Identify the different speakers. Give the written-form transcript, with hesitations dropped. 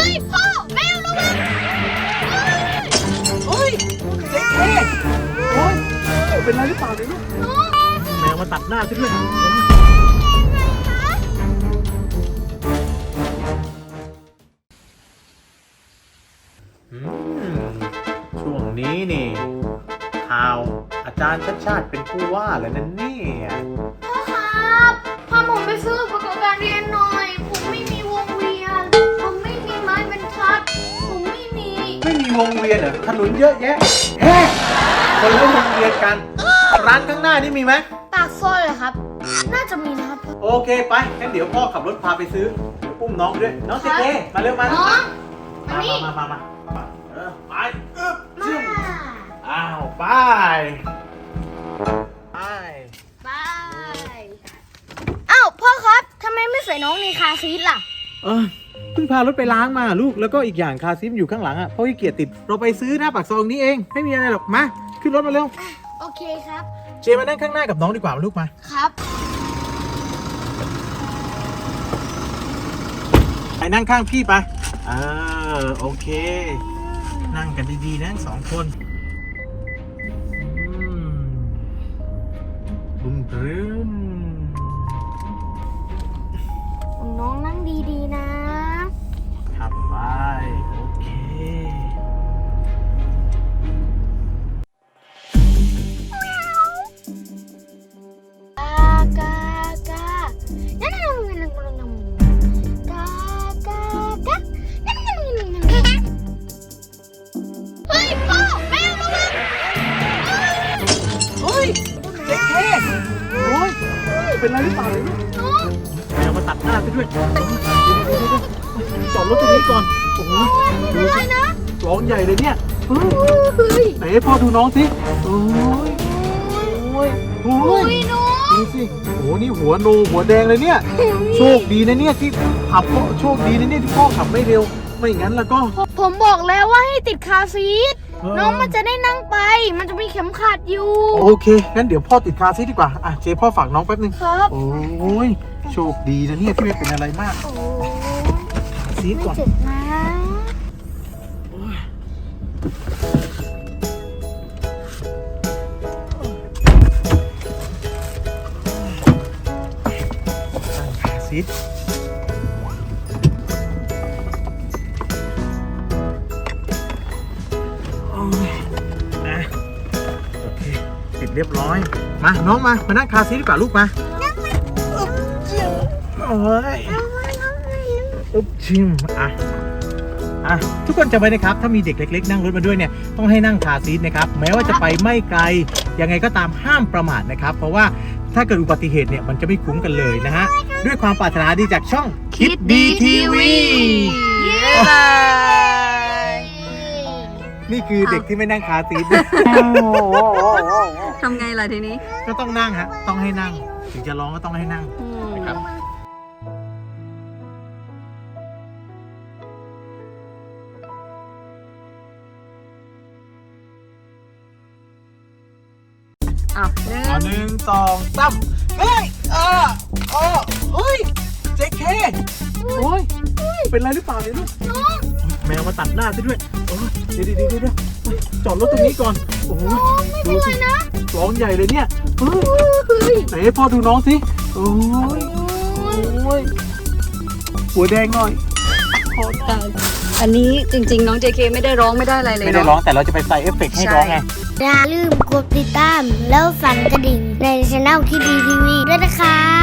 Speaker 1: ยพ่อแมวระวัง
Speaker 2: เฮ้ยเจ๊โอ้ยเป็นไรหรือเปล่าเนี่ยลูกแมวมาตัดหน้าฉันด้วยช่วงนี้นี่ข่าวอาจารย์ชาติเป็นผู้ว่าแล้วนั่นนี่
Speaker 1: พ่อครับพาผมไปซื้ออุปกรณ์การเรียนหน่อยผมไม่มีวงเวียนผมไม่มีไม้บรรทัดผมไม่มี
Speaker 2: วงเวียนเหรอถนนเยอะแยะคนละวงเวียนกันร้านข้างหน้านี่มีไหม
Speaker 1: ปากซอยเหรอครับน่าจะมีนะครับ
Speaker 2: โอเคไปงั้นเดี๋ยวพ่อขับรถพาไปซื้อเดี๋ยวอุ้มน้องด้วยน้องเจ๊มาเร็วมา
Speaker 1: น้อง
Speaker 2: มาไป
Speaker 1: มา
Speaker 2: อ้าวไป
Speaker 1: อ้าวพ่อครับทำไมไม่ใส่น้องในคาร์ซีทล่ะ
Speaker 2: เพิ่งพารถไปล้างมาลูกแล้วก็อีกอย่างคาร์ซีทอยู่ข้างหลังอ่ะเพราะขี้เกียจติดเราไปซื้อหน้าปากซอยนี้เองไม่มีอะไรหรอกมาขึ้นรถมาเร็ว
Speaker 1: โอเคครับ
Speaker 2: เจมานั่งข้างหน้ากับน้องดีกว่าลูกมา
Speaker 1: ครับ
Speaker 2: ไปนั่งข้างพี่ไปโอเคนั่งกันดีๆนะสองคนบึ้มบรึ้ม
Speaker 1: น้องนั่งดีๆนะ
Speaker 2: ขับไปโอเคเป็นไรหรือเปล่าเลยแมวมาตัดหน้าไปด้วยจอดรถตรงนี้ก่อนโอ้โหดูสิร้องใหญ่เลยเนี่ยไหนให้พ่อดูน้องสิโอ้ยดูสิโอ้นี่หัวแดงเลยเนี่ยโชคดีนะเนี่ยที่ขับโชคดีนะเนี่ยที่พ่อขับไม่เร็วไม่งั้นแล้วก็
Speaker 1: ผมบอกแล้วว่าให้ติดคาร์ซีทน้องมันจะได้นั่งไปมันจะมีเข็มขัดอยู่
Speaker 2: โอเคงั้นเดี๋ยวพ่อติดคาร์ซีทดีกว่าเจ๊พ่อฝากน้องแป๊บนึง
Speaker 1: ครับ
Speaker 2: โอ้ยโชคดีนะเนี่ยที่ไม่เป็นอะไรมากคาร์ซีทก่อน
Speaker 1: เจ็บนะ
Speaker 2: คาร์ซีทเรียบร้อยมาน้องมานั่งคาร์ซีทดีกว่าลูกมาโอ้ยชิมทุกคนจำไว้นะครับถ้ามีเด็กเล็กๆนั่งรถมาด้วยเนี่ยต้องให้นั่งคาร์ซีทนะครับแม้ว่าจะไปไม่ไกลยังไงก็ตามห้ามประมาทนะครับเพราะว่าถ้าเกิดอุบัติเหตุเนี่ยมันจะไม่คุ้มกันเลยนะฮะด้วยความปรารถนาดีจากช่องคิดดีทีวีนี่คือเด็กที่ไม่นั่งคาร์ซีท
Speaker 3: ทำไงล่ะทีนี้
Speaker 2: ก็ต้องนั่งฮะต้องให้นั่งถึงจะร้องก็ต้องให้นั่งนะครับ1 2 3เฮ้ยเฮ้ยเจ๊เคโอ้ยเป็นไรหรือเปล่าเนี่ยลูกแมวมาตัดหน้าซะด้วยเดี๋ยวจอดรถตรงนี้ก่อนโอ้โหดูสิร้องใหญ่เลยเนี่ยไหนให้พ่อดูน้องสิโอ้ยหัวแดงหน่อย
Speaker 3: โอ้ตายอันนี้จริงๆน้อง JK ไม่ได้ร้องไม่ได้อะไรเลย
Speaker 2: ไม่ได้ร้องแต่เราจะไปใส่เอฟเฟกต์ให้ร้องไง
Speaker 1: อย่าลืมกดติดตามแล้วสั่นกระดิ่งในช่องคิดดีทีวีด้วยนะคะ